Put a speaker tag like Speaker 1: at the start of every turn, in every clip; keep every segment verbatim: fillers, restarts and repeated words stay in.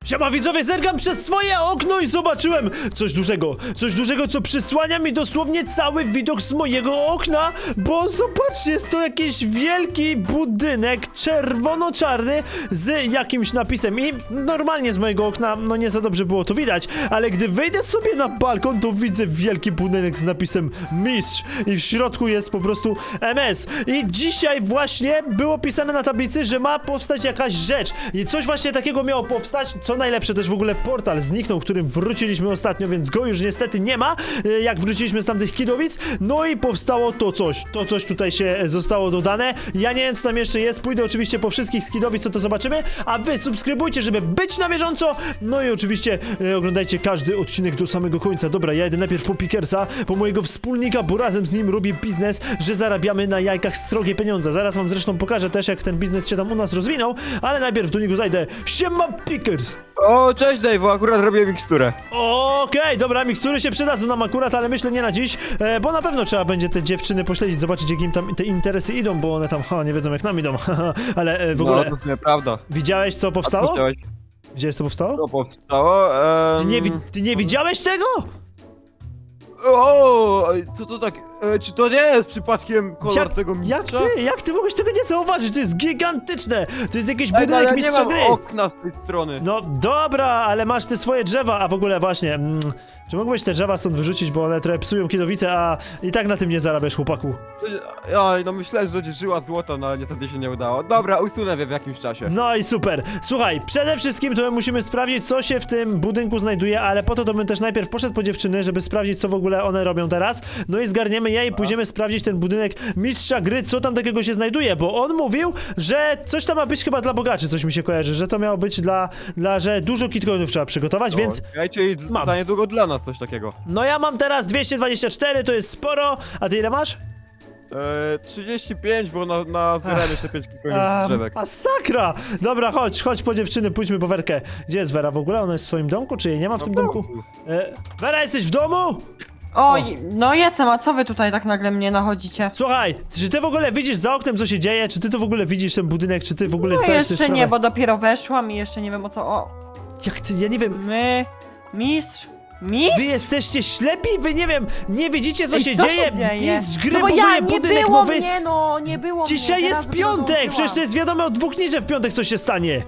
Speaker 1: Siema widzowie, zerkam przez swoje okno i zobaczyłem coś dużego, coś dużego, co przysłania mi dosłownie cały widok z mojego okna, bo zobaczcie, jest to jakiś wielki budynek czerwono-czarny z jakimś napisem i normalnie z mojego okna, no nie za dobrze było to widać, ale gdy wyjdę sobie na balkon, to widzę wielki budynek z napisem mistrz i w środku jest po prostu M S i dzisiaj właśnie było pisane na tablicy, że ma powstać jakaś rzecz i coś właśnie takiego miało powstać. Co najlepsze, też w ogóle portal zniknął, którym wróciliśmy ostatnio, więc go już niestety nie ma, jak wróciliśmy z tamtych Kidowic. No i powstało to coś, to coś tutaj się zostało dodane. Ja nie wiem, co tam jeszcze jest, pójdę oczywiście po wszystkich z Kidowic, co to zobaczymy, a wy subskrybujcie, żeby być na bieżąco, no i oczywiście e, oglądajcie każdy odcinek do samego końca. Dobra, ja idę najpierw po Pickersa, po mojego wspólnika, bo razem z nim robię biznes, że zarabiamy na jajkach srogie pieniądze. Zaraz wam zresztą pokażę też, jak ten biznes się tam u nas rozwinął, ale najpierw do niego zajdę. Siema Pickers!
Speaker 2: O, cześć Dave, akurat robię miksturę.
Speaker 1: Okej, okay, dobra, mikstury się przydadzą nam akurat, ale myślę nie na dziś, e, bo na pewno trzeba będzie te dziewczyny pośledzić, zobaczyć jak im tam te interesy idą, bo one tam, ha, nie wiedzą jak nam idą, ale e, w ogóle...
Speaker 2: No, to jest nieprawda.
Speaker 1: Widziałeś co powstało?
Speaker 2: A co
Speaker 1: Widziałeś co powstało?
Speaker 2: Co powstało?
Speaker 1: Ty nie, wi
Speaker 2: Um...
Speaker 1: ty nie widziałeś tego?
Speaker 2: O, co to tak? E, czy to nie jest przypadkiem kolor
Speaker 1: Jak,
Speaker 2: tego
Speaker 1: jak
Speaker 2: mistrza?
Speaker 1: ty, jak ty mogłeś tego nie zauważyć? To jest gigantyczne, to jest jakiś
Speaker 2: Ej, no,
Speaker 1: budynek
Speaker 2: ale
Speaker 1: mistrza
Speaker 2: nie mam
Speaker 1: gry.
Speaker 2: okna z tej strony.
Speaker 1: No dobra, ale masz te swoje drzewa, a w ogóle właśnie, mm, czy mógłbyś te drzewa stąd wyrzucić, bo one trochę psują Kidowice, a i tak na tym nie zarabiasz, chłopaku.
Speaker 2: Oj, no myślałem, że będzie żyła złota, no ale niestety się nie udało. Dobra, usunę je w jakimś czasie.
Speaker 1: No i super. Słuchaj, przede wszystkim to my musimy sprawdzić, co się w tym budynku znajduje, ale po to to bym też najpierw poszedł po dziewczyny, żeby sprawdzić, co w ogóle one robią teraz. No i zgarniemy je i pójdziemy sprawdzić ten budynek mistrza gry, co tam takiego się znajduje, bo on mówił, że coś tam ma być chyba dla bogaczy, coś mi się kojarzy, że to miało być dla, dla że dużo kitcoinów trzeba przygotować, więc...
Speaker 2: Okej, czyli
Speaker 1: mam.
Speaker 2: za niedługo dla nas coś takiego.
Speaker 1: No ja mam teraz dwieście dwadzieścia cztery, to jest sporo, a ty ile masz?
Speaker 2: E, trzydzieści pięć, bo na, na zbierałem jeszcze pięć kilkoinów
Speaker 1: A,
Speaker 2: z drzewek.
Speaker 1: masakra! Dobra, chodź, chodź po dziewczyny, pójdźmy po Werkę. Gdzie jest Wera w ogóle? Ona jest w swoim domku, czy jej nie ma w tym
Speaker 2: No,
Speaker 1: domku? E, Wera, jesteś w domu?
Speaker 3: Oj, no jestem, a co wy tutaj tak nagle mnie nachodzicie?
Speaker 1: Słuchaj, czy ty w ogóle widzisz za oknem, co się dzieje? Czy ty to w ogóle widzisz ten budynek? Czy ty w ogóle
Speaker 3: No
Speaker 1: zdajesz sobie
Speaker 3: jeszcze
Speaker 1: sprawę?
Speaker 3: nie, bo dopiero weszłam i jeszcze nie wiem o co. O,
Speaker 1: Jak ty, ja nie wiem.
Speaker 3: my, mistrz, mistrz?
Speaker 1: Wy jesteście ślepi? Wy nie wiem, nie widzicie co,
Speaker 3: Ej,
Speaker 1: się,
Speaker 3: co
Speaker 1: dzieje?
Speaker 3: się dzieje?
Speaker 1: Mistrz gry
Speaker 3: No bo
Speaker 1: buduje
Speaker 3: ja, nie
Speaker 1: budynek
Speaker 3: było
Speaker 1: nowy.
Speaker 3: mnie, no, nie było
Speaker 1: Dzisiaj
Speaker 3: mnie.
Speaker 1: jest
Speaker 3: teraz dopiero
Speaker 1: piątek,
Speaker 3: dołączyłam.
Speaker 1: przecież to jest wiadomo od dwóch dni, że w piątek coś się stanie.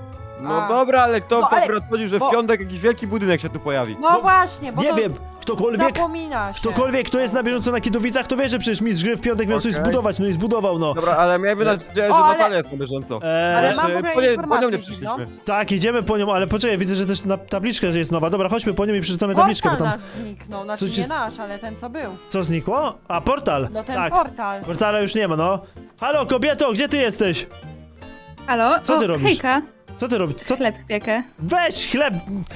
Speaker 2: No
Speaker 3: A.
Speaker 2: dobra, ale kto
Speaker 3: No, ale-
Speaker 2: akurat chodził, że w
Speaker 3: bo-
Speaker 2: piątek jakiś wielki budynek się tu pojawi?
Speaker 3: No,
Speaker 1: No,
Speaker 3: właśnie, bo
Speaker 1: Nie
Speaker 3: to
Speaker 1: wiem, ktokolwiek,
Speaker 3: zapomina się.
Speaker 1: ktokolwiek, kto jest na bieżąco na Kidowicach, to wie, że przecież mistrz gry w piątek miał coś
Speaker 2: Okej.
Speaker 1: zbudować, no i zbudował, no.
Speaker 2: Dobra, ale miałem nadzieję, że
Speaker 3: O, ale-
Speaker 2: Natalia jest na bieżąco.
Speaker 1: Eee,
Speaker 3: Ale mam w
Speaker 2: Znaczy,
Speaker 3: ogóle
Speaker 2: po nie- po
Speaker 3: informację
Speaker 2: nią nie
Speaker 3: dziwną.
Speaker 2: przyszliśmy.
Speaker 1: Tak, idziemy po nią, ale poczekaj, widzę, że też na tabliczka jest nowa. Dobra, chodźmy po nią i przeczytamy tabliczkę, bo
Speaker 3: Portal
Speaker 1: tam...
Speaker 3: nasz zniknął, znaczy
Speaker 1: Coś
Speaker 3: nie
Speaker 1: jest-
Speaker 3: nasz, ale ten co był.
Speaker 1: Co znikło? A, portal!
Speaker 3: No ten
Speaker 1: tak.
Speaker 3: portal.
Speaker 1: Portala już nie ma, no. Halo, kobieto, gdzie ty jesteś?
Speaker 4: Halo?
Speaker 1: Co ty
Speaker 4: o,
Speaker 1: robisz?
Speaker 4: Hejka,
Speaker 1: Co ty robisz? Co?
Speaker 4: chleb piekę.
Speaker 1: Weź chleb!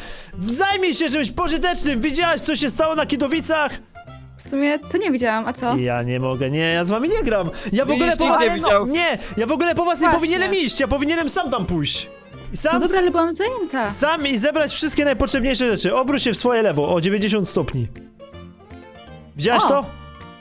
Speaker 1: Zajmij się czymś pożytecznym! Widziałaś, co się stało na Kidowicach?
Speaker 4: W sumie to nie widziałam, a co?
Speaker 1: Ja nie mogę, nie, ja z wami nie gram. Ja w
Speaker 2: Widzisz,
Speaker 1: ogóle po
Speaker 2: nikt
Speaker 1: was...
Speaker 2: nie widział.
Speaker 1: Nie, ja w ogóle po was nie
Speaker 3: Właśnie.
Speaker 1: powinienem iść, ja powinienem sam tam pójść. I
Speaker 4: No
Speaker 1: sam...
Speaker 4: dobra, ale byłam zajęta.
Speaker 1: Sam i zebrać wszystkie najpotrzebniejsze rzeczy. Obróć się w swoje lewo o dziewięćdziesiąt stopni. Widziałaś
Speaker 3: O.
Speaker 1: to?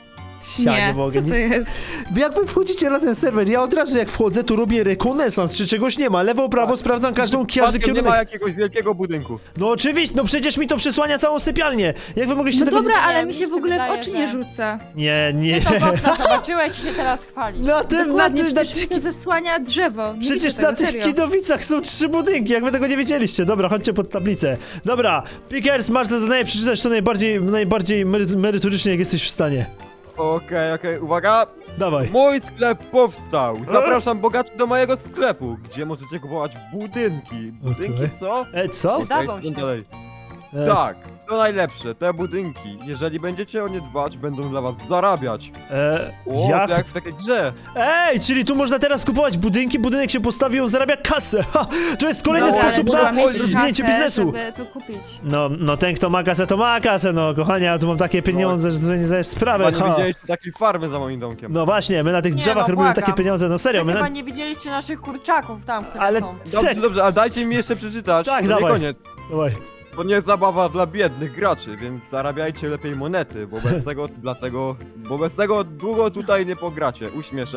Speaker 1: Ja nie,
Speaker 4: Nie,
Speaker 1: mogę.
Speaker 4: co to
Speaker 1: Nie...
Speaker 4: jest?
Speaker 1: Jak wy wchodzicie na ten serwer, ja od razu jak wchodzę, to robię rekonesans, czy czegoś nie ma. Lewo, prawo, sprawdzam każdą, każdy
Speaker 2: Przypadkiem nie
Speaker 1: kierunek.
Speaker 2: ma jakiegoś wielkiego budynku.
Speaker 1: No oczywiście, no przecież mi to przesłania całą sypialnię. Jak wy mogliście
Speaker 4: No
Speaker 1: tego
Speaker 4: dobra,
Speaker 3: nie-
Speaker 4: ale
Speaker 3: mi
Speaker 4: mi
Speaker 3: się
Speaker 4: się w ogóle w
Speaker 3: wydaje,
Speaker 4: oczy
Speaker 3: że-
Speaker 4: nie rzuca.
Speaker 1: nie... Nie,
Speaker 3: Ty
Speaker 1: nie.
Speaker 3: to z okna zobaczyłeś i się teraz chwalisz.
Speaker 1: Na tym, na
Speaker 4: Dokładnie,
Speaker 1: tym, na
Speaker 4: przecież mi to
Speaker 1: tym...
Speaker 4: zasłania drzewo. Nie
Speaker 1: Przecież
Speaker 4: widzę
Speaker 1: na
Speaker 4: tego,
Speaker 1: tych
Speaker 4: serio.
Speaker 1: Kidowicach są trzy budynki, jak wy tego nie wiedzieliście. Dobra, chodźcie pod tablicę. Dobra, Pickers, masz za zadanie przeczytać to najbardziej, najbardziej mery- merytorycznie, jak jesteś w stanie.
Speaker 2: Okej, okej, uwaga!
Speaker 1: Dawaj.
Speaker 2: Mój sklep powstał! Zapraszam bogaczy do mojego sklepu, gdzie możecie kupować budynki. Budynki
Speaker 1: Okej.
Speaker 2: co?
Speaker 1: E, co?
Speaker 3: Przydadzą
Speaker 2: Okej,
Speaker 3: się.
Speaker 2: idźmy dalej.
Speaker 1: E,
Speaker 2: Tak, co najlepsze, te budynki, jeżeli będziecie o nie dbać, będą dla was zarabiać.
Speaker 1: E,
Speaker 2: O,
Speaker 1: jak?
Speaker 2: to jak w takiej grze.
Speaker 1: Ej, czyli tu można teraz kupować budynki, budynek się postawi, on zarabia kasę. Ha, to jest kolejny
Speaker 2: No, ale
Speaker 1: sposób
Speaker 2: trzeba
Speaker 1: na
Speaker 2: mieć
Speaker 1: rozwinięcie
Speaker 4: kasę,
Speaker 1: biznesu.
Speaker 4: żeby to kupić.
Speaker 1: No, no ten kto ma kasę, to ma kasę, no kochanie, ja tu mam takie pieniądze, że sobie nie zdajesz sprawy.
Speaker 2: Chyba nie
Speaker 1: Ha.
Speaker 2: widzieliście takiej farmy za moim domkiem.
Speaker 1: No właśnie, my na tych
Speaker 3: Nie,
Speaker 1: drzewach
Speaker 3: no,
Speaker 1: robimy
Speaker 3: błagam.
Speaker 1: takie pieniądze, no serio,
Speaker 3: Wy
Speaker 1: my
Speaker 3: chyba
Speaker 1: na...
Speaker 3: nie widzieliście naszych kurczaków tam, które
Speaker 1: Ale-
Speaker 3: są.
Speaker 2: Dobrze,
Speaker 1: Sek.
Speaker 2: dobrze, ale dajcie mi jeszcze przeczytać.
Speaker 1: Tak,
Speaker 2: to
Speaker 1: dawaj.
Speaker 2: nie koniec.
Speaker 1: Dawaj.
Speaker 2: To nie zabawa dla biednych graczy, więc zarabiajcie lepiej monety, bo bez tego, dlatego, bo bez tego długo tutaj nie pogracie. Uśmieszek.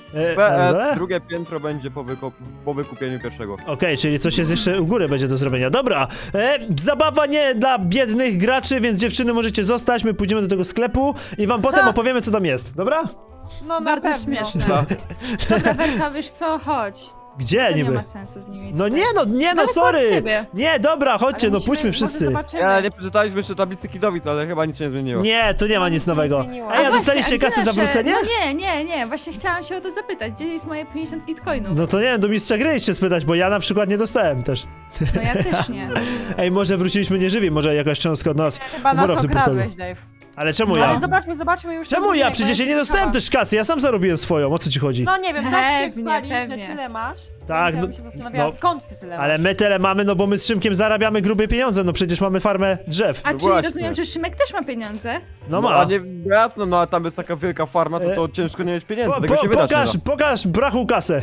Speaker 1: E,
Speaker 2: P S,
Speaker 1: ale?
Speaker 2: drugie piętro będzie po, wyko- po wykupieniu pierwszego.
Speaker 1: Okej, czyli coś jest jeszcze u góry będzie do zrobienia. Dobra, e, zabawa nie dla biednych graczy, więc dziewczyny możecie zostać, my pójdziemy do tego sklepu i wam potem
Speaker 3: Ha.
Speaker 1: opowiemy co tam jest, dobra?
Speaker 3: No na
Speaker 4: Bardzo
Speaker 3: pewno.
Speaker 4: śmieszne.
Speaker 2: Tak.
Speaker 4: Dobra, Werka, wiesz co, chodź.
Speaker 1: Gdzie
Speaker 4: To nie
Speaker 1: niby?
Speaker 4: ma sensu z nimi.
Speaker 1: No
Speaker 4: tutaj.
Speaker 1: nie no, nie no,
Speaker 4: Daleko od
Speaker 1: sorry!
Speaker 4: ciebie.
Speaker 1: Nie, dobra, chodźcie,
Speaker 3: Ale
Speaker 1: no
Speaker 3: musimy-
Speaker 1: pójdźmy
Speaker 3: może
Speaker 1: wszyscy.
Speaker 3: zobaczymy.
Speaker 2: Ja nie przeczytaliśmy jeszcze tablicy Kidowic, ale chyba nic się nie zmieniło.
Speaker 1: Nie, tu nie ma
Speaker 3: No,
Speaker 1: nic
Speaker 3: nic się nie
Speaker 1: nowego.
Speaker 3: zmieniło.
Speaker 1: Ej, a
Speaker 4: A
Speaker 1: dostaliście
Speaker 4: właśnie, a
Speaker 1: kasę
Speaker 4: gdzie
Speaker 1: za
Speaker 4: nasze-
Speaker 1: wrócenie?
Speaker 4: No nie, nie, nie, właśnie chciałam się o to zapytać. Gdzie jest moje pięćdziesiąt bitcoinów?
Speaker 1: No to nie wiem, do mistrza gry się spytać, bo ja na przykład nie dostałem też.
Speaker 4: No ja też nie.
Speaker 1: Ej, może wróciliśmy nieżywi, może jakaś cząstka od nas.
Speaker 3: Chyba nas
Speaker 1: Umora w tym portalu.
Speaker 3: okradłeś, Dave.
Speaker 1: Ale czemu
Speaker 3: No, ale
Speaker 1: ja?
Speaker 3: zobaczmy, zobaczmy już. ten
Speaker 1: Czemu ja?
Speaker 3: budynek, bo
Speaker 1: Przecież ja nie
Speaker 3: jestem
Speaker 1: dostałem
Speaker 3: ciekawa.
Speaker 1: też kasy, ja sam zarobiłem swoją, o co ci chodzi?
Speaker 3: No nie wiem, tak się
Speaker 4: Pewnie,
Speaker 3: chwalisz, że
Speaker 4: pewnie.
Speaker 3: tyle masz.
Speaker 1: Tak,
Speaker 3: Ja
Speaker 1: no-
Speaker 3: bym się zastanawiała,
Speaker 1: no,
Speaker 3: skąd ty tyle
Speaker 1: Ale
Speaker 3: masz?
Speaker 1: my tyle mamy, no bo my z Szymkiem zarabiamy grube pieniądze, no przecież mamy farmę drzew.
Speaker 4: A
Speaker 2: No
Speaker 4: czyli
Speaker 2: właśnie.
Speaker 4: rozumiem, że Szymek też ma pieniądze?
Speaker 1: No
Speaker 2: A
Speaker 1: ma.
Speaker 2: nie, jasno, no a tam jest taka wielka farma, to, to ciężko nie mieć pieniędzy,
Speaker 1: Po,
Speaker 2: tego
Speaker 1: po,
Speaker 2: się wydać
Speaker 1: pokaż,
Speaker 2: nie da.
Speaker 1: pokaż brachu kasę.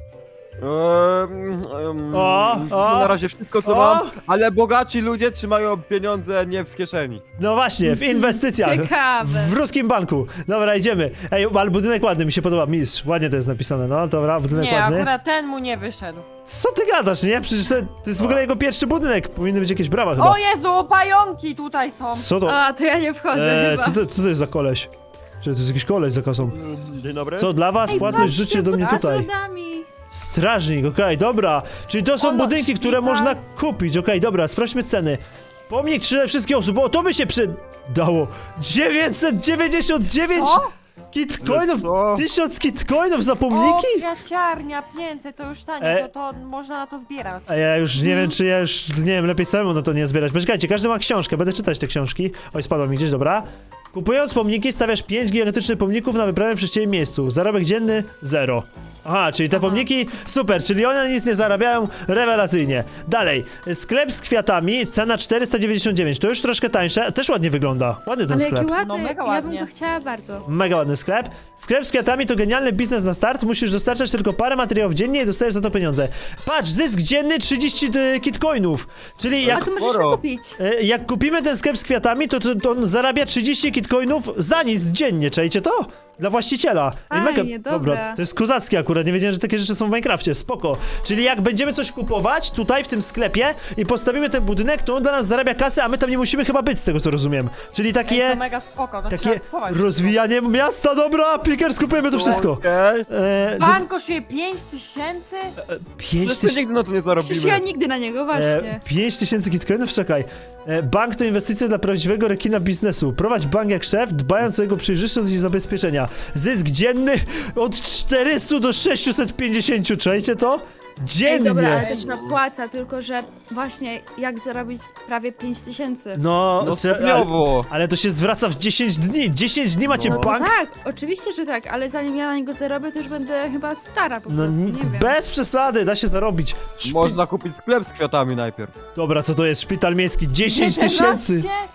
Speaker 2: Ehm, em,
Speaker 1: O,
Speaker 2: to
Speaker 1: o,
Speaker 2: na razie wszystko co
Speaker 1: o.
Speaker 2: mam, ale bogaci ludzie trzymają pieniądze nie w kieszeni.
Speaker 1: No właśnie, w inwestycjach.
Speaker 4: Ciekawe.
Speaker 1: W ruskim banku. Dobra, idziemy. Ej, ale budynek ładny, mi się podoba, mistrz. Ładnie to jest napisane, no dobra, budynek
Speaker 3: Nie,
Speaker 1: ładny.
Speaker 3: akurat ten mu nie wyszedł.
Speaker 1: Co ty gadasz, nie? Przecież to, to jest w ogóle jego pierwszy budynek. Powinny być jakieś brawa chyba.
Speaker 3: O Jezu, pająki tutaj są.
Speaker 1: Co to?
Speaker 4: A, to ja nie wchodzę
Speaker 1: E,
Speaker 4: chyba.
Speaker 1: co, to co to jest za koleś? Czy to jest jakiś koleś za kasą?
Speaker 2: Dzień dobry.
Speaker 1: Co dla was?
Speaker 4: Ej,
Speaker 1: Płatność
Speaker 4: patrzcie,
Speaker 1: rzućcie do mnie
Speaker 4: pod
Speaker 1: tutaj.
Speaker 4: schodami.
Speaker 1: Strażnik, okej, dobra. Czyli to są
Speaker 3: Ono,
Speaker 1: budynki, które
Speaker 3: szpital.
Speaker 1: można kupić. Okej, dobra, sprawdźmy ceny. Pomnik trzy wszystkich osób, o to by się przydało. dziewięćset dziewięćdziesiąt dziewięć
Speaker 3: Co?
Speaker 1: kitcoinów,
Speaker 2: Co?
Speaker 1: tysiąc kitcoinów za pomniki?
Speaker 3: O, kwiaciarnia, pięćset, to już tanie,
Speaker 1: E.
Speaker 3: to, to można na to zbierać.
Speaker 1: A ja już nie wiem, czy ja już, nie wiem, lepiej samemu na to nie zbierać. Poczekajcie, każdy ma książkę, będę czytać te książki. Oj, spadło mi gdzieś, dobra. Kupując pomniki, stawiasz pięć gigantycznych pomników na wybranym przez ciebie miejscu. Zarobek dzienny zero. Aha, czyli te pomniki, super, czyli one nic nie zarabiają, rewelacyjnie. Dalej, sklep z kwiatami, cena czterysta dziewięćdziesiąt dziewięć, to już troszkę tańsze, też ładnie wygląda. Ładny ten
Speaker 4: Ale
Speaker 1: sklep.
Speaker 4: jaki ładny,
Speaker 3: No, mega
Speaker 4: ja bym
Speaker 3: ładnie.
Speaker 4: go chciała bardzo.
Speaker 1: Mega ładny sklep. Sklep z kwiatami to genialny biznes na start. Musisz dostarczać tylko parę materiałów dziennie i dostajesz za to pieniądze. Patrz, zysk dzienny trzydzieści y, kitcoinów. Czyli
Speaker 4: A
Speaker 1: jak,
Speaker 4: to możesz
Speaker 2: sporo.
Speaker 4: kupić.
Speaker 1: y, jak kupimy ten sklep z kwiatami, to, to, to on zarabia trzydzieści kitcoinów za nic dziennie. Czajcie to? Dla właściciela. I
Speaker 4: Fajnie, dobra.
Speaker 1: To jest kozackie akurat. Nie wiedziałem, że takie rzeczy są w Minecrafcie. Spoko. Czyli jak będziemy coś kupować tutaj w tym sklepie i postawimy ten budynek, to on dla nas zarabia kasę, a my tam nie musimy chyba być, z tego co rozumiem. Czyli
Speaker 3: Ej,
Speaker 1: takie...
Speaker 3: to mega spoko, to
Speaker 1: Takie
Speaker 3: trzeba kupować.
Speaker 1: rozwijanie miasta, dobra, Pickers, kupujemy to wszystko.
Speaker 2: Okej.
Speaker 1: E, co-
Speaker 3: Bank kosztuje pięć tysięcy?
Speaker 1: pięć
Speaker 2: Wszyscy
Speaker 1: tysięcy.
Speaker 2: nigdy na to nie
Speaker 4: Przecież ja
Speaker 2: zarobimy.
Speaker 4: nigdy na niego,
Speaker 1: E,
Speaker 4: właśnie.
Speaker 1: pięć tysięcy kitcoinów, czekaj. E, bank to inwestycja dla prawdziwego rekina biznesu. Prowadź bank jak szef, dbając o jego przejrzystość i zabezpieczenia. Zysk dzienny od czterystu do sześciuset pięćdziesięciu, czajcie to?
Speaker 4: Ej,
Speaker 1: Dziennie!
Speaker 4: dobra, ale też napłaca, tylko że właśnie jak zarobić prawie pięć tysięcy.
Speaker 1: No,
Speaker 2: No
Speaker 1: cze- ale,
Speaker 2: stopniowo.
Speaker 1: ale to się zwraca w dziesięć dni. dziesięć dni macie
Speaker 2: No.
Speaker 4: No to
Speaker 1: bank?
Speaker 4: tak, oczywiście, że tak, ale zanim ja na niego zarobię, to już będę chyba stara po
Speaker 1: No
Speaker 4: prostu,
Speaker 1: n-
Speaker 4: nie wiem.
Speaker 1: bez przesady, da się zarobić. Szpi-
Speaker 2: Można kupić sklep z kwiatami najpierw.
Speaker 1: Dobra, co to jest? Szpital miejski, dziesięć tysięcy!
Speaker 3: jedenaście?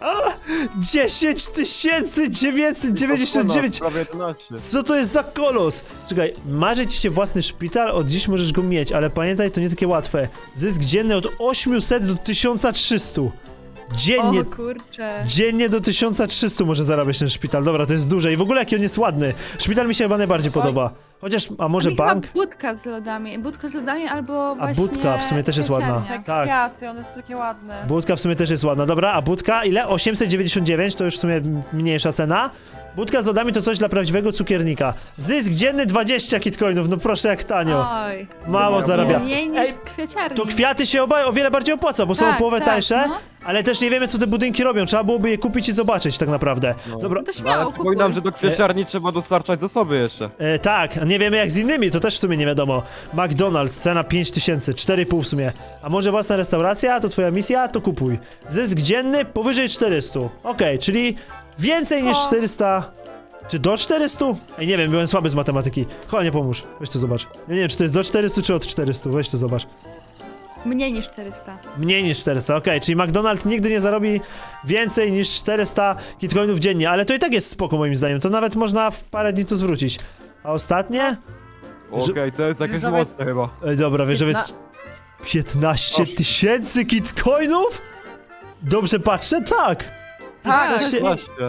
Speaker 1: dziesięć tysięcy dziewięćset dziewięćdziesiąt dziewięć!
Speaker 2: Prawie jedenaście.
Speaker 1: Co to jest za kolos? Czekaj, marzy ci się własny szpital? Od dziś możesz go mieć, ale pamiętaj, to nie takie łatwe. Zysk dzienny od osiemset do tysiąc trzysta. Dziennie,
Speaker 4: O kurczę.
Speaker 1: dziennie do tysiąc trzysta może zarabiać ten szpital. Dobra, to jest duże i w ogóle jaki on jest ładny. Szpital mi się chyba najbardziej podoba. Chociaż, a może
Speaker 4: Mi
Speaker 1: bank?
Speaker 4: Chyba budka z lodami, budka z lodami albo
Speaker 1: A
Speaker 4: właśnie
Speaker 1: budka w sumie też jest ładna.
Speaker 4: kwiaciarnia.
Speaker 3: Te
Speaker 1: Tak.
Speaker 3: kwiaty, one są takie ładne.
Speaker 1: Budka w sumie też jest ładna. Dobra, a budka ile? osiemset dziewięćdziesiąt dziewięć, to już w sumie mniejsza cena. Budka z lodami to coś dla prawdziwego cukiernika. Zysk dzienny dwadzieścia kitcoinów, no proszę jak tanio.
Speaker 4: Oj.
Speaker 1: Mało
Speaker 2: Ja
Speaker 1: zarabia.
Speaker 4: Mniej niż
Speaker 1: Ej,
Speaker 4: z kwiaciarni.
Speaker 1: to kwiaty się oba o wiele bardziej opłaca, bo są
Speaker 4: Tak,
Speaker 1: o połowę
Speaker 4: tak,
Speaker 1: tańsze,
Speaker 4: no.
Speaker 1: ale też nie wiemy co te budynki robią. Trzeba byłoby je kupić i zobaczyć tak naprawdę. Dobra.
Speaker 4: No to
Speaker 2: No,
Speaker 4: śmiało
Speaker 2: ale
Speaker 4: kupuj.
Speaker 2: przypominam, że do kwieciarni trzeba dostarczać zasoby jeszcze.
Speaker 1: E, tak, nie wiemy jak z innymi, to też w sumie nie wiadomo. McDonald's, cena pięć tysięcy, cztery i pół w sumie. A może własna restauracja, to twoja misja, to kupuj. Zysk dzienny powyżej czterysta. Okej, czyli więcej niż
Speaker 3: O.
Speaker 1: czterysta... Czy do czterysta? Ej, nie wiem, byłem słaby z matematyki. Chodź, nie pomóż. Weź to zobacz. Ja nie wiem, czy to jest do czterystu, czy od czterystu. Weź to zobacz.
Speaker 4: Mniej niż czterysta.
Speaker 1: Mniej niż czterysta, okej, czyli McDonald's nigdy nie zarobi więcej niż czterysta kitcoinów dziennie, ale to i tak jest spoko moim zdaniem, to nawet można w parę dni to zwrócić. A ostatnie?
Speaker 2: Okej, to jest jakieś
Speaker 3: Różowe-
Speaker 2: mocne chyba.
Speaker 1: Ej, dobra, wiesz, że
Speaker 3: Piętna-
Speaker 1: jest piętnaście tysięcy kitcoinów? Dobrze patrzę? Tak!
Speaker 3: Tak,
Speaker 1: piętnaście
Speaker 2: Właśnie.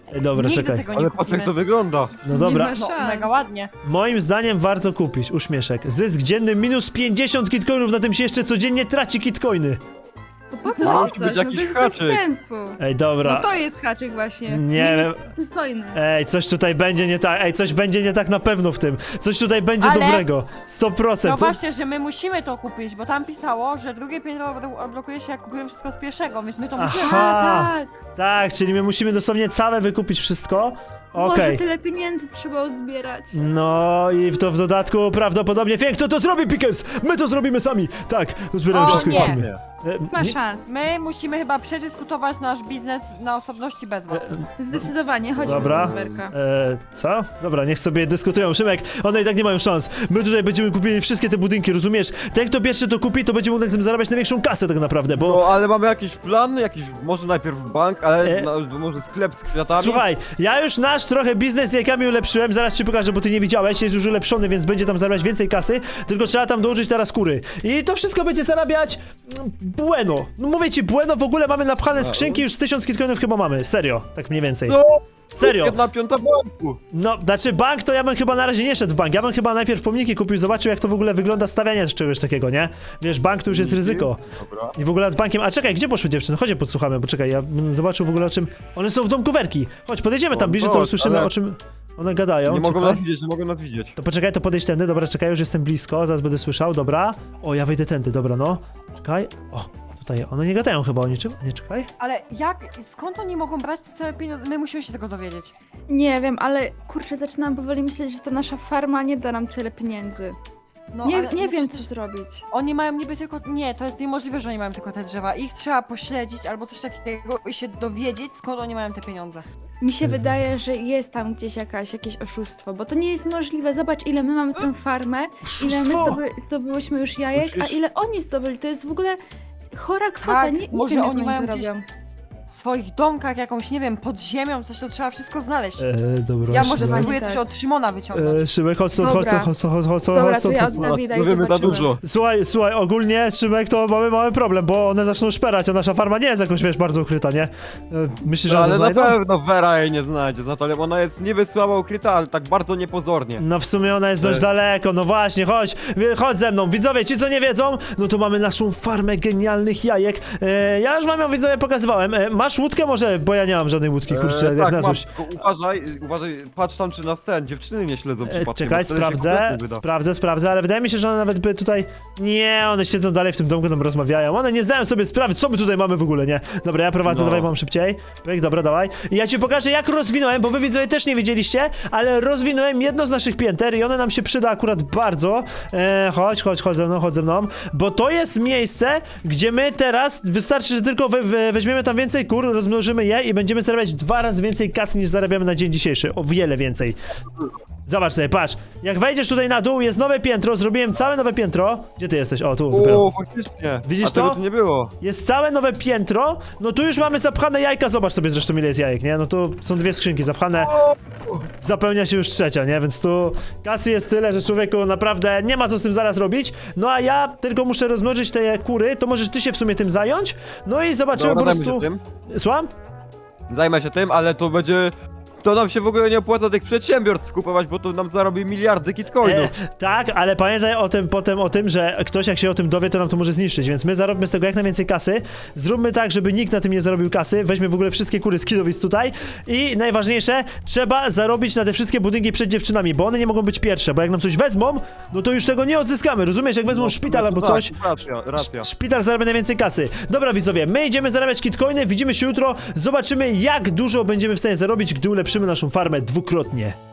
Speaker 1: Ej, dobra,
Speaker 3: Nigdy
Speaker 1: czekaj.
Speaker 3: tego nie
Speaker 2: Ale patrz
Speaker 3: kupimy.
Speaker 2: jak to wygląda.
Speaker 1: No dobra,
Speaker 4: Nie ma
Speaker 3: No,
Speaker 4: szans.
Speaker 3: mega ładnie.
Speaker 1: moim zdaniem warto kupić. Uśmieszek. Zysk dzienny minus pięćdziesiąt kitcoinów, na tym się jeszcze codziennie traci kitcoiny.
Speaker 4: To po co
Speaker 2: No,
Speaker 4: no,
Speaker 2: musi
Speaker 4: coś?
Speaker 2: być
Speaker 4: No
Speaker 2: jakiś
Speaker 4: to jest
Speaker 2: haczyk.
Speaker 4: bez sensu.
Speaker 1: Ej, dobra.
Speaker 4: No to jest haczyk właśnie.
Speaker 1: Nie
Speaker 4: Minus bitcoiny.
Speaker 1: Ej, coś tutaj będzie nie tak, ej, coś będzie nie tak na pewno w tym. Coś tutaj będzie
Speaker 3: Ale-
Speaker 1: dobrego. sto
Speaker 3: No
Speaker 1: procent. Co-
Speaker 3: właśnie, że my musimy to kupić, bo tam pisało, że drugie piętro odblo- odblokuje się jak kupujemy wszystko z pierwszego, więc my to musimy.
Speaker 1: Aha.
Speaker 4: A, tak.
Speaker 1: Tak, czyli my musimy dosłownie całe wykupić wszystko.
Speaker 4: Boże,
Speaker 1: Okej.
Speaker 4: tyle pieniędzy trzeba uzbierać.
Speaker 1: No i to w dodatku prawdopodobnie Fiek, kto to zrobi, Pickers? My to zrobimy sami. Tak, to zbieramy
Speaker 3: O,
Speaker 1: wszystko.
Speaker 3: nie.
Speaker 1: kupimy. E,
Speaker 4: Ma
Speaker 1: nie-
Speaker 4: szans.
Speaker 3: My musimy chyba przedyskutować nasz biznes na osobności bez was.
Speaker 4: Zdecydowanie, chodźmy
Speaker 1: Dobra.
Speaker 4: z Berka.
Speaker 1: E, co? Dobra, niech sobie dyskutują. Szymek, one i tak nie mają szans. My tutaj będziemy kupili wszystkie te budynki, rozumiesz? Ten, kto pierwszy to kupi, to będzie mógł na tym zarabiać największą kasę tak naprawdę, bo...
Speaker 2: No ale mamy jakiś plan, jakiś, może najpierw bank, ale
Speaker 1: E.
Speaker 2: no, może sklep z kwiatami.
Speaker 1: Słuchaj, ja już nasz trochę biznes z jajkami ulepszyłem, zaraz ci pokażę, bo ty nie widziałeś, jest już ulepszony, więc będzie tam zarabiać więcej kasy, tylko trzeba tam dołożyć teraz kury. I to wszystko będzie zarabiać mm, bueno. No mówię ci, bueno, w ogóle mamy napchane skrzynki, już z tysiąc kitcoinów chyba mamy, serio, tak mniej więcej.
Speaker 2: Co?
Speaker 1: Serio.
Speaker 2: Jedna piąta banku.
Speaker 1: No, znaczy bank to ja bym chyba na razie nie szedł w bank, ja bym chyba najpierw pomniki kupił, zobaczył jak to w ogóle wygląda stawianie czegoś takiego, nie? Wiesz, bank to już jest ryzyko.
Speaker 2: Dobra.
Speaker 1: I w ogóle nad bankiem, a czekaj, gdzie poszły dziewczyny? Chodź, podsłuchamy, bo czekaj, ja bym zobaczył w ogóle o czym... One są w domku Werki. Chodź, podejdziemy tam
Speaker 2: O,
Speaker 1: bliżej, to
Speaker 2: chodź,
Speaker 1: usłyszymy
Speaker 2: ale-
Speaker 1: o czym one gadają.
Speaker 2: Nie mogą
Speaker 1: Czekaj.
Speaker 2: nas widzieć, nie mogą nas widzieć.
Speaker 1: To poczekaj, to podejść tędy, dobra, czekaj, już jestem blisko, zaraz będę słyszał, dobra. O, ja wejdę tędy, dobra, no. Czekaj, o, tutaj, one nie gadają chyba o niczym, nie, czekaj.
Speaker 3: Ale jak, skąd oni mogą brać te całe pieniądze? My musimy się tego dowiedzieć.
Speaker 4: Nie wiem, ale kurczę, zaczynam powoli myśleć, że ta nasza farma nie da nam tyle pieniędzy.
Speaker 3: No,
Speaker 4: nie
Speaker 3: ale
Speaker 4: nie
Speaker 3: no
Speaker 4: wiem, co
Speaker 3: przecież
Speaker 4: zrobić.
Speaker 3: Oni mają niby tylko... Nie, to jest niemożliwe, że oni mają tylko te drzewa. Ich trzeba pośledzić albo coś takiego i się dowiedzieć, skąd oni mają te pieniądze.
Speaker 4: Mi się
Speaker 1: Mhm.
Speaker 4: wydaje, że jest tam gdzieś jakaś, jakieś oszustwo, bo to nie jest możliwe. Zobacz, ile my mamy tę farmę, ile my
Speaker 1: Oszustwo!
Speaker 4: zdoby, zdobyłyśmy już jajek, a
Speaker 2: Słyszysz?
Speaker 4: ile oni zdobyli. To jest w ogóle chora kwota.
Speaker 3: Tak,
Speaker 4: nie, nie
Speaker 3: może
Speaker 4: wiem, jak
Speaker 3: oni mają
Speaker 4: to
Speaker 3: gdzieś-
Speaker 4: robią.
Speaker 3: W swoich domkach, jakąś, nie wiem, pod ziemią, coś to trzeba wszystko znaleźć.
Speaker 1: E, dobra,
Speaker 3: Ja może
Speaker 1: Szymek.
Speaker 3: spróbuję
Speaker 4: tak.
Speaker 3: coś od Szymona wyciągnąć.
Speaker 1: E, Szymek, chodź stąd, chodź
Speaker 4: Dobra.
Speaker 1: stąd, chodź stąd, chodź stąd, chodź
Speaker 4: Dobra,
Speaker 1: stąd,
Speaker 4: to ja
Speaker 1: chodź
Speaker 4: od
Speaker 1: stąd.
Speaker 4: Dawida i
Speaker 2: No wiemy za
Speaker 4: zobaczymy.
Speaker 2: dużo.
Speaker 1: Słuchaj, słuchaj, ogólnie, Szymek, to mamy mały problem, bo one zaczną szperać, a nasza farma nie jest jakoś, wiesz, bardzo ukryta, nie? E, Myślisz, że
Speaker 2: No,
Speaker 1: one to
Speaker 2: ale na
Speaker 1: znajdą?
Speaker 2: pewno Vera jej nie znajdzie, Natalia, bo ona jest niby słabo ukryta, ale tak bardzo niepozornie.
Speaker 1: No w sumie ona jest dość
Speaker 2: E.
Speaker 1: daleko, no właśnie, chodź, wie- chodź ze mną. Widzowie, ci co nie wiedzą, no to mamy naszą farmę genialnych jajek. E, ja już wam ją, widzowie, pokazywałem. E, masz łódkę może? Bo ja nie mam żadnej łódki, kurczę,
Speaker 2: E,
Speaker 1: jak
Speaker 2: tak,
Speaker 1: na
Speaker 2: masz,
Speaker 1: złość.
Speaker 2: tylko uważaj, uważaj, patrz tam czy nas ten, dziewczyny nie śledzą
Speaker 1: E,
Speaker 2: przypadkiem.
Speaker 1: czekaj,
Speaker 2: bo wtedy się
Speaker 1: sprawdzę,
Speaker 2: kompletnie wyda.
Speaker 1: sprawdzę, sprawdzę, ale wydaje mi się, że one nawet by tutaj... Nie, one siedzą dalej w tym domku, tam rozmawiają. One nie zdają sobie sprawy, co my tutaj mamy w ogóle, nie? Dobra, ja prowadzę,
Speaker 2: No.
Speaker 1: dawaj, mam szybciej. Pyk, dobra, dawaj. I ja ci pokażę, jak rozwinąłem, bo wy widzowie też nie wiedzieliście, ale rozwinąłem jedno z naszych pięter i one nam się przyda akurat bardzo. E, chodź, chodź, chodź ze mną, chodź ze mną. Bo to jest miejsce, gdzie my teraz, wystarczy, że tylko we, we, weźmiemy tam więcej kur, rozmnożymy je i będziemy zarabiać dwa razy więcej kasy niż zarabiamy na dzień dzisiejszy. O wiele więcej. Zobacz sobie, patrz. Jak wejdziesz tutaj na dół, jest nowe piętro, zrobiłem całe nowe piętro. Gdzie ty jesteś? O, tu dopiero.
Speaker 2: O, faktycznie.
Speaker 1: Widzisz
Speaker 2: A tego
Speaker 1: to?
Speaker 2: tu nie było.
Speaker 1: Jest całe nowe piętro, no tu już mamy zapchane jajka, zobacz sobie zresztą ile jest jajek, nie? No tu są dwie skrzynki zapchane, zapełnia się już trzecia, nie? Więc tu kasy jest tyle, że człowieku naprawdę nie ma co z tym zaraz robić. No a ja tylko muszę rozmnożyć te kury, to możesz ty się w sumie tym zająć. No i zobaczymy
Speaker 2: Dobra,
Speaker 1: po
Speaker 2: zajmę się
Speaker 1: prostu...
Speaker 2: tym.
Speaker 1: Słucham?
Speaker 2: Zajmę się tym, ale to będzie... To nam się w ogóle nie opłaca tych przedsiębiorstw kupować, bo to nam zarobi miliardy kitcoinów.
Speaker 1: E, tak, ale pamiętaj o tym potem o tym, że ktoś jak się o tym dowie, to nam to może zniszczyć, więc my zarobimy z tego jak najwięcej kasy. Zróbmy tak, żeby nikt na tym nie zarobił kasy. Weźmy w ogóle wszystkie kury z kidowic tutaj i najważniejsze, trzeba zarobić na te wszystkie budynki przed dziewczynami, bo one nie mogą być pierwsze, bo jak nam coś wezmą, no to już tego nie odzyskamy, rozumiesz? Jak wezmą
Speaker 2: No,
Speaker 1: szpital
Speaker 2: no
Speaker 1: albo
Speaker 2: tak,
Speaker 1: coś,
Speaker 2: Racja, racja.
Speaker 1: szpital zarabia najwięcej kasy. Dobra widzowie, my idziemy zarabiać kitcoiny, widzimy się jutro, zobaczymy jak dużo będziemy w stanie zarobić, gdy ulepszymy naszą farmę dwukrotnie.